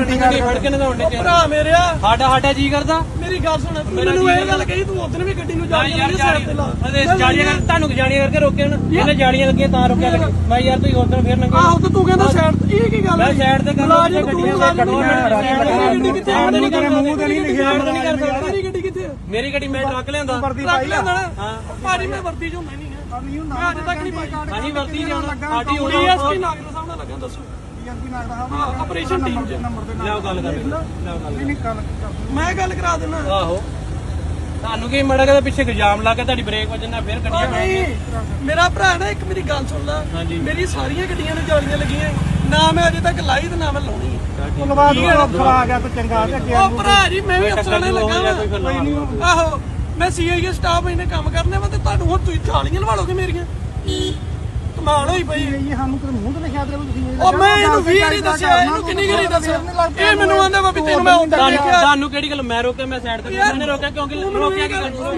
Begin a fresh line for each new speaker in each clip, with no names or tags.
ਫੜ ਕੇ ਨਗਾਉਣ ਦੇ
ਭਰਾ ਮੇਰਿਆ
ਸਾਡਾ ਜੀ ਕਰਦਾ
ਮੇਰੀ ਗੱਲ ਸੁਣ ਮੈਨੂੰ ਇਹ ਗੱਲ ਕਹੀ ਤੂੰ ਉਦੋਂ ਵੀ ਗੱਡੀ ਨੂੰ ਜਾਣੀਆਂ
ਤੁਹਾਨੂੰ ਜਾਣੀਆਂ ਕਰਕੇ ਰੋਕਿਆ ਨਾ ਇਹਨੇ ਜਾਣੀਆਂ ਲੱਗੀਆਂ ਤਾਂ ਰੋਕਿਆ ਲੱਗੇ ਮੈਂ ਯਾਰ ਤੁਸੀਂ ਉਦੋਂ ਫੇਰ ਨੰਗੇ
ਆਹੋ ਤੇ ਤੂੰ ਕਹਿੰਦਾ ਸਾਈਡ ਇਹ ਕੀ ਗੱਲ
ਮੈਂ ਸਾਈਡ ਤੇ ਕਰ
ਗੱਡੀ ਕਿੱਥੇ
ਮੂੰਹ ਤੇ ਨਹੀਂ ਲਿਖਿਆ
ਮੇਰੀ ਗੱਡੀ ਕਿੱਥੇ
ਮੇਰੀ ਗੱਡੀ ਮੈਂ ਟਰੱਕ ਲਿਆਂਦਾ
ਟਰੱਕ ਲਿਆਂਦਾ ਨਾ ਭਾਜੀ ਮੈਂ ਵਰਦੀ ਚ ਹੁੰਦਾ ਨਹੀਂ ਹੈ ਮੈਂ ਅੱਜ ਤੱਕ ਨਹੀਂ ਪਾਈ
ਹਾਂਜੀ ਵਰਤੀ ਜਾਣਾ ਸਾਡੀ ਹੋਣੀ
ਡੀਐਸਪੀ ਨਾਗਰ ਸਾਹਿਬ ਨਾਲ ਲੱਗਾ ਦੱਸੋ ਆਪਰੇਸ਼ਨ ਟੀਮ ਚ
ਲਿਆਓ ਗੱਲ ਕਰ
ਮੈਂ ਗੱਲ ਕਰਾ ਦੇਣਾ
ਆਹੋ ਤੁਹਾਨੂੰ ਕੀ ਮੜਾ ਕੇ ਪਿੱਛੇ ਇਲਜ਼ਾਮ ਲਾ ਕੇ ਤੁਹਾਡੀ ਬ੍ਰੇਕ ਵੱਜਣਾ ਫੇਰ ਗੱਡੀਆਂ
ਨਹੀਂ ਮੇਰਾ ਭਰਾ ਨਾ ਇੱਕ ਮੇਰੀ ਗੱਲ ਸੁਣ ਲੈ
ਹਾਂਜੀ
ਮੇਰੀ ਸਾਰੀਆਂ ਗੱਡੀਆਂ ਨੂੰ ਜਾਲੀਆਂ ਲੱਗੀਆਂ ਨਾ ਮੈਂ ਅਜੇ ਤੱਕ ਲਾਈ ਤੇ ਨਾ ਮੈਂ ਲਾਉਣੀ
ਅਫਸਰ ਆ ਗਿਆ ਤੇ ਚੰਗਾ ਤੇ
ਉਹ ਭਰਾ ਜੀ ਮੈਂ ਵੀ ਅਫਸਰਾਂ ਨੇ ਲੱਗਾ ਆਹੋ ਮੈਂ ਸੀਆਈਏ ਸਟਾਫ ਇਹਨੇ ਕੰਮ ਕਰਨੇ ਵਾ ਤੇ ਤੁਹਾਨੂੰ ਹੁਣ ਤੁਸੀਂ ਜਾਲੀਆਂ ਲਵਾ ਲੋਗੇ ਮੇਰੀਆਂ ਕਮਾਲ ਹੋਈ ਪਈ
ਇਹ ਸਾਨੂੰ ਕਿਤੇ ਮੂੰਹ ਤੇ ਲਿਖਿਆ ਦੇ ਤੁਸੀਂ
ਉਹ ਮੈਂ ਇਹਨੂੰ ਵੀ ਨਹੀਂ ਦੱਸਿਆ ਇਹਨੂੰ ਕਿੰਨੀ ਗਰੀ ਦੱਸਿਆ ਇਹ ਮੈਨੂੰ ਆਂਦਾ ਵਾ ਵੀ ਤੈਨੂੰ ਮੈਂ ਹੁੰਦਾ ਦੇਖਿਆ
ਤੁਹਾਨੂੰ ਕਿਹੜੀ ਗੱਲ ਮੈਂ ਰੋਕਿਆ ਮੈਂ ਸਾਈਡ ਤੇ ਮੈਨੇ ਰੋਕਿਆ ਕਿਉਂਕਿ ਰੋਕਿਆ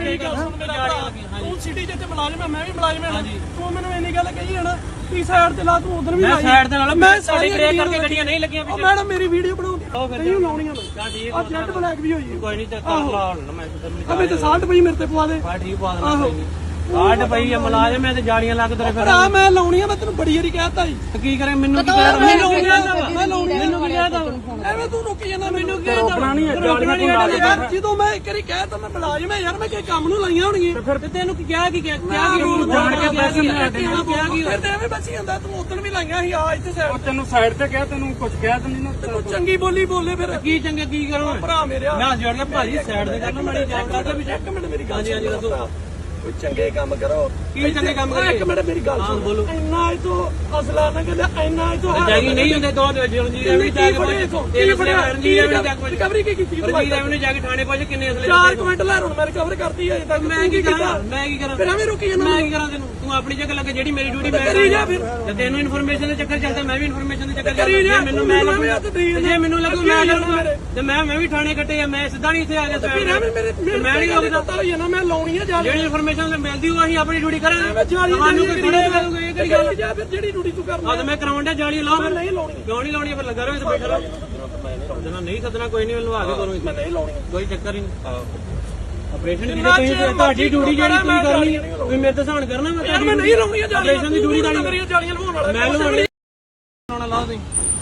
ਕਿ
ਤੂੰ ਸਿਟੀ ਚ ਮੁਲਾਜ਼ਮ ਹੈ ਮੈਂ ਵੀ ਮੁਲਾਜ਼ਮ ਹਾਂ ਤੂੰ ਮੈਨੂੰ ਇੰਨੀ ਗੱਲ ਕਹੀ ਹੈ ਨਾ ਤੀ ਸਾਈਡ ਤੇ ਲਾ ਤੂੰ ਉਧਰ ਵੀ
ਮੈਂ ਸਾਈਡ ਦੇ ਨਾਲ
ਮੈਂ
ਸਾਡੀ ਬ੍ਰੇਕ ਕਰਕੇ ਗੱਡੀਆਂ ਨਹੀਂ ਲੱਗੀਆਂ
ਉਹ ਮੈਡਮ ਮੇਰੀ ਵੀਡੀਓ ਬਣਾਉਂਦੀ ਨਹੀਂ ਲਾਉਣੀਆਂ
ਹਾਂ ਠੀਕ
ਆ ਜੈਟ ਬਲੈਕ ਵੀ ਹੋਈ ਹੈ
ਕੋਈ ਨਹੀਂ ਤੇ ਕਰ ਲਾ ਹੁਣ ਮੈਂ
ਅਬੇ ਤੇ 60 ਪਈ ਮੇਰੇ ਤੇ ਪਵਾ ਦੇ
ਹਾਂ ਠੀਕ ਪਾ ਦੇਣਾ ਕੋਈ ਨਹੀਂ ਆੜ ਪਈ ਆ ਮੁਲਾਜ਼ਮ ਐ ਤੇ ਜਾਲੀਆਂ ਲੱਗ ਤੇਰੇ ਫਿਰ
ਭਰਾ ਮੈਂ ਲਾਉਣੀ ਆ ਮੈਂ ਤੈਨੂੰ ਬੜੀ ਵਾਰੀ ਕਹਿਤਾ ਜੀ
ਕੀ ਕਰੇ ਮੈਨੂੰ ਕੀ ਕਹਿ
ਮੈਂ ਲਾਉਣੀ
ਮੈਨੂੰ ਕੀ ਕਹਿਦਾ
ਐਵੇਂ ਤੂੰ ਰੁਕ ਜਾਂਦਾ ਮੈਨੂੰ ਕੀ
ਰੋਕਣਾ ਨਹੀਂ ਜਾਲੀਆਂ
ਜਦੋਂ ਮੈਂ ਇੱਕ ਵਾਰੀ ਕਹਿਤਾ ਮੈਂ ਮੁਲਾਜ਼ਮ ਹੈ ਯਾਰ ਮੈਂ ਕਿ ਕੰਮ ਨੂੰ ਲਾਈਆਂ ਹੋਣਗੀਆਂ
ਫਿਰ ਤੇ ਤੈਨੂੰ ਕੀ ਕਿਹਾ ਕੀ ਰੂਲ ਜਾਣ ਕੇ ਪੈਸੇ ਮੈਂ ਕਿਹਾ ਕੀ
ਫਿਰ ਤੇ ਐਵੇਂ ਬਚੀ ਜਾਂਦਾ ਤੂੰ ਉਦੋਂ ਵੀ ਲਾਈਆਂ ਸੀ ਆ ਇੱਥੇ ਸਾਈਡ
ਤੈਨੂੰ ਸਾਈਡ ਤੇ ਕਿਹਾ ਤੈਨੂੰ ਕੁਝ ਕਹਿ ਦਿੰਦੀ ਨਾ
ਤੂੰ ਚੰਗੀ ਬੋਲੀ ਬੋਲੇ ਫਿਰ
ਕੀ ਚੰਗੇ ਕੀ ਕਰੋ
ਭਰਾ ਮੇਰਿਆ
ਮੈਂ ਜੋੜ ਕੇ ਭਾਜੀ ਸਾਈਡ ਤੇ ਕਰਨਾ ਮਾੜੀ ਚੈੱਕ
ਕਰਦਾ ਵੀ ਇੱਕ ਮਿੰਟ ਮੇਰੀ ਗੱਲ
ਹਾਂਜੀ ਹਾਂਜੀ ਦੱਸੋ
ਕੋਈ ਚੰਗੇ ਕੰਮ ਕਰੋ
ਕੀ ਚੰਗੇ ਕੰਮ ਕਰੀਏ
ਇੱਕ ਮਿੰਟ ਮੇਰੀ ਗੱਲ ਸੁਣ
ਬੋਲੋ
ਇੰਨਾ ਇਹ ਤੋਂ ਅਸਲਾ ਨਾ ਕਹਿੰਦਾ ਇੰਨਾ ਇਹ ਤੋਂ
ਜਾਗੀ ਨਹੀਂ ਹੁੰਦੇ ਦੋ ਜੀ ਰਵੀ ਜਾ ਕੇ ਰਣਜੀਤ ਰਵੀ ਜਾ ਕੇ
ਰਿਕਵਰੀ ਕੀ ਕੀਤੀ
ਰਣਜੀਤ ਰਵੀ ਨੇ ਜਾ ਕੇ ਥਾਣੇ ਪਹੁੰਚ ਕਿੰਨੇ ਅਸਲੇ
4 ਕੁਇੰਟਲ ਲੈ ਹੁਣ ਮੈਂ ਰਿਕਵਰ ਕਰਤੀ ਹੈ ਤੱਕ
ਮੈਂ ਕੀ ਕਰਾਂ
ਫਿਰ ਐਵੇਂ ਰੁਕੀ ਜਾਂਦਾ
ਮੈਂ ਕੀ ਕਰਾਂ ਤੈਨੂੰ ਤੂੰ ਆਪਣੀ ਜਗ੍ਹਾ ਲੱਗੇ ਜਿਹੜੀ ਮੇਰੀ ਡਿਊਟੀ ਮੈਂ
ਕਰੀ ਜਾ ਫਿਰ
ਤੇ ਤੈਨੂੰ ਇਨਫੋਰਮੇਸ਼ਨ ਦੇ ਚੱਕਰ ਚੱਲਦਾ ਮੈਂ ਵੀ ਇਨਫੋਰਮੇਸ਼ਨ ਦੇ ਚੱਕਰ
ਕਰੀ ਜਾ
ਮੈਨੂੰ ਮੈਂ
ਜੇ
ਜੇ ਮੈਨੂੰ ਲੱਗੂ ਮੈਂ ਲੱਗੂਗਾ ਤੇ ਮੈਂ ਵੀ ਥਾਣੇ ਕੱਟੇ ਆ ਮੈਂ ਸਿੱਧਾ ਨਹੀਂ ਇੱਥੇ ਆ ਗਿਆ
ਫਿਰ ਐਵੇਂ ਮੇਰੇ
ਮੈਂ ਨਹੀਂ ਲੱਗਦਾ
ਪਤਾ ਹੋਈ ਨਾ ਮੈਂ ਲਾਉਣੀ ਆ ਜਾ
ਜਿਹੜੀ ਇਨਫੋਰਮੇਸ਼ਨ ਮਿਲਦੀ ਉਹ ਅਸੀਂ ਆਪਣੀ ਡਿਊਟੀ ਕਰਾਂਗੇ
ਜਾਲੀ
ਤੁਹਾਨੂੰ ਕੋਈ ਥੋੜਾ ਕਰੂਗਾ ਇਹ ਕਿਹੜੀ ਗੱਲ
ਜਾ ਫਿਰ ਜਿਹੜੀ ਡਿਊਟੀ ਤੂੰ ਕਰਨਾ
ਆ ਤੇ ਮੈਂ ਕਰਾਉਣ ਦਾ ਜਾਲੀ ਲਾਓ ਫਿਰ
ਨਹੀਂ ਲਾਉਣੀ
ਕਿਉਂ ਨਹੀਂ ਲਾਉਣੀ ਫਿਰ ਲੱਗਾ ਰਹੇ ਤੇ ਬੈਠਾ ਰਹੋ ਸੱਦਣਾ ਨਹੀਂ ਸੱਦਣਾ ਕੋਈ ਨਹੀਂ ਲਵਾ ਕੇ ਕਰੂੰ
ਮੈਂ ਨਹੀਂ ਲਾਉਣੀ
ਕੋਈ ਚੱਕਰ ਹੀ ਨਹੀਂ ਆਪਰੇਸ਼ਨ ਦੀ ਤੁਸੀਂ ਤੁਹਾਡੀ ਡਿਊਟੀ ਜਿਹੜੀ ਤੁਸੀਂ ਕਰਨੀ ਤੁਸੀਂ ਮੇਰੇ ਤੇ ਸਹਾਨ ਕਰਨਾ ਮੈਂ
ਯਾਰ ਮੈਂ ਨਹੀਂ ਲਾਉਣੀ ਜਾਲੀਆਂ
ਆਪਰੇਸ਼ਨ ਦੀ ਡਿਊਟੀ ਦਾ
ਮੇਰੀਆਂ ਜਾਲੀਆਂ ਲਵਾਉਣ ਵਾਲਾ
ਮੈਂ ਲਵਾਉਣੀ ਲਾਉਣਾ ਲਾਓ ਤੁਸੀਂ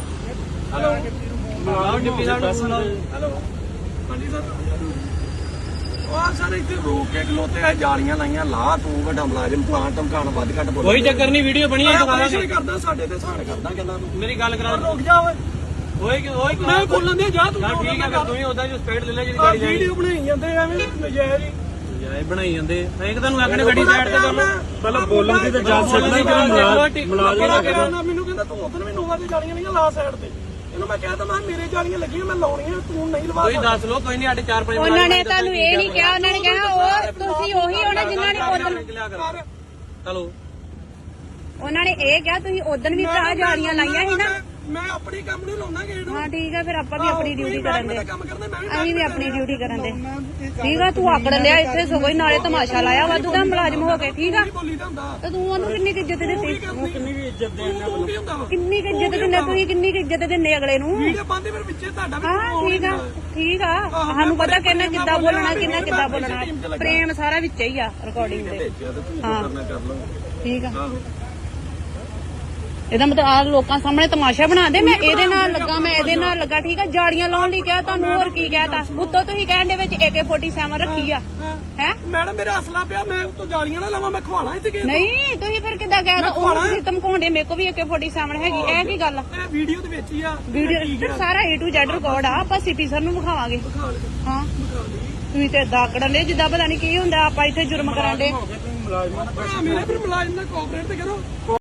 ਲਾਓ ਡਿਪਟੀ ਸਾਹਿਬ ਨੂੰ ਲਾਓ
ਹੈਲੋ ਹਾਂਜੀ ਸਰ ਉਹ ਸਰ ਇੱਥੇ ਰੋਕ ਕੇ ਖਲੋਤੇ ਆ ਜਾਲੀਆਂ ਲਾਈਆਂ ਲਾ ਤੂੰ ਵੱਡਾ ਮੁਲਾਜ਼ਮ ਪਲਾਂਟ ਧਮਕਾਣ ਵੱਧ ਘੱਟ ਬੋਲ
ਕੋਈ ਚੱਕਰ ਨਹੀਂ ਵੀਡੀਓ ਬਣੀ ਹੈ ਦੁਬਾਰਾ
ਆਪਰੇਸ਼ਨ ਕਰਦਾ ਸਾਡੇ ਤੇ ਸਹਾਨ ਕਰਦਾ ਕਹਿੰਦਾ ਤੂੰ
ਮੇਰੀ ਗੱਲ ਕਰਾ
ਰੁਕ ਜਾ ਓਏ
ਓਏ
ਮੈਂ ਬੋਲਣ ਦੇ ਜਾ ਤੂੰ
ਠੀਕ ਹੈ ਫਿਰ ਤੂੰ ਹੀ ਉਦਾਂ ਜੋ ਸਪੀਡ ਲੈ ਲੈ ਜਿਹੜੀ ਗਾੜੀ ਜਾਣੀ
ਵੀਡੀਓ ਬਣਾਈ ਜਾਂਦੇ ਐਵੇਂ ਨਜਾਇਜ਼ ਹੀ
ਜਾਏ ਬਣਾਈ ਜਾਂਦੇ ਇੱਕ ਤੁਹਾਨੂੰ ਆਖਣੇ ਗੱਡੀ ਸਾਈਡ ਤੇ ਕਰ ਲਓ
ਪਹਿਲਾਂ ਬੋਲਣ ਦੀ ਤਾਂ ਜਾ ਸਕਦਾ
ਮੁਲਾਜ਼ਮ ਮੈਨੂੰ ਕਹਿੰਦਾ ਤੂੰ ਉਧਰ ਵੀ ਨੋਵਾ ਤੇ ਜਾਲੀਆਂ ਨਹੀਂ ਲਾ ਸਾਈਡ ਤੇ ਇਹਨੂੰ ਮੈਂ ਕਹਿਤਾ ਮੈਂ ਮੇਰੇ ਜਾਲੀਆਂ ਲੱਗੀਆਂ ਮੈਂ ਲਾਉਣੀਆਂ ਤੂੰ ਨਹੀਂ ਲਵਾ
ਕੋਈ ਦੱਸ ਲੋ ਕੋਈ ਨਹੀਂ ਸਾਡੇ 4-5
ਉਹਨਾਂ ਨੇ ਤੁਹਾਨੂੰ ਇਹ ਨਹੀਂ ਕਿਹਾ ਉਹਨਾਂ ਨੇ ਕਿਹਾ ਉਹ ਤੁਸੀਂ ਉਹੀ ਹੋਣਾ ਜਿਨ੍ਹਾਂ ਨੇ ਉਦੋਂ
ਚਲੋ
ਉਹਨਾਂ ਨੇ ਇਹ ਕਿਹਾ ਤੁਸੀਂ ਉਦੋਂ ਵੀ ਭਰਾ ਜਾਲੀਆਂ ਲਾਈਆਂ ਸੀ ਨਾ
ਮੈਂ ਆਪਣੀ ਕੰਮ ਨਹੀਂ ਲਾਉਣਾ ਗੇੜ
ਹਾਂ ਠੀਕ ਆ ਫਿਰ ਆਪਾਂ ਵੀ ਆਪਣੀ ਡਿਊਟੀ ਕਰਨ ਦੇ
ਕੰਮ ਕਰਦਾ ਮੈਂ ਵੀ
ਅਸੀਂ ਵੀ ਆਪਣੀ ਡਿਊਟੀ ਕਰਨ ਦੇ ਠੀਕ ਆ ਤੂੰ ਆਕੜ ਲਿਆ ਇੱਥੇ ਸਗੋਂ ਹੀ ਨਾਲੇ ਤਮਾਸ਼ਾ ਲਾਇਆ ਵਾਧੂ ਦਾ ਮੁਲਾਜ਼ਮ ਹੋ ਕੇ ਠੀਕ ਆ
ਬੋਲੀ ਦਾ ਹੁੰਦਾ
ਤੇ ਤੂੰ ਉਹਨੂੰ ਕਿੰਨੀ ਕੁ ਇੱਜ਼ਤ ਦਿੱਤੀ
ਕਿੰਨੀ ਵੀ ਇੱਜ਼ਤ ਦੇਣਾ ਤੂੰ ਕੀ ਹੁੰਦਾ ਵਾ
ਕਿੰਨੀ ਕੁ ਇੱਜ਼ਤ ਦਿੰਦੇ ਤੁਸੀਂ ਕਿੰਨੀ ਕੁ ਇੱਜ਼ਤ ਦਿੰਦੇ ਅਗਲੇ ਨੂੰ
ਵੀਡੀਓ ਪਾਉਂਦੇ ਫਿਰ ਵਿੱਚੇ ਤੁਹਾਡਾ ਵੀ
ਹਾਂ ਠੀਕ ਆ ਸਾਨੂੰ ਪਤਾ ਕਿੰਨਾ ਕਿੱਦਾਂ ਬੋਲਣਾ ਕਿੰਨਾ ਕਿੱਦਾਂ ਬੋਲਣਾ ਪ੍ਰੇਮ ਸਾਰਾ ਵਿੱਚ ਹੀ ਆ ਰਿਕਾਰਡਿੰਗ ਦੇ ਹਾਂ ਠੀਕ ਆ ਇਹਦਾ ਮਤਲਬ ਆ ਲੋਕਾਂ ਸਾਹਮਣੇ ਤਮਾਸ਼ਾ ਬਣਾ ਦੇ ਮੈਂ ਇਹਦੇ ਨਾਲ ਲੱਗਾ ਮੈਂ ਇਹਦੇ ਨਾਲ ਲੱਗਾ ਠੀਕ ਆ ਜਾੜੀਆਂ ਲਾਉਣ ਲਈ ਕਿਹਾ ਤੁਹਾਨੂੰ ਹੋਰ ਕੀ ਕਹਿਤਾ ਉੱਤੋਂ ਤੁਸੀਂ ਕਹਿਣ ਦੇ ਵਿੱਚ AK-47 ਰੱਖੀ ਆ ਹੈ
ਮੈਡਮ ਮੇਰਾ ਅਸਲਾ ਪਿਆ ਮੈਂ ਉੱਤੋਂ ਜਾਲੀਆਂ ਨਾ ਲਾਵਾਂ ਮੈਂ ਖਵਾਣਾ ਇੱਥੇ ਕਿ
ਨਹੀਂ ਤੁਸੀਂ ਫਿਰ ਕਿੱਦਾਂ ਕਹਿਤਾ ਉਹ ਤੁਸੀਂ ਧਮਕਾਉਂਦੇ ਮੇਰੇ ਕੋ ਵੀ AK-47 ਹੈਗੀ ਇਹ ਕੀ ਗੱਲ ਆ
ਇਹ ਵੀਡੀਓ ਦੇ ਵਿੱਚ ਹੀ ਆ
ਵੀਡੀਓ ਸਾਰਾ A to Z ਰਿਕਾਰਡ ਆ ਆਪਾਂ ਸਿਟੀ ਸਰ ਨੂੰ ਵਿਖਾਵਾਂਗੇ ਹਾਂ ਤੁਸੀਂ ਤੇ ਦਾਕੜਨ ਦੇ ਜਿੱਦਾਂ ਪਤਾ ਨਹੀਂ ਕੀ ਹੁੰਦਾ ਆਪਾਂ ਇੱਥੇ ਜੁਰਮ ਕਰਾਂਦੇ
ਮੇਰੇ ਫਿਰ ਮੁਲਾਜ਼ਮ ਨਾਲ ਕੋਆਪਰੇਟ ਤੇ ਕਰੋ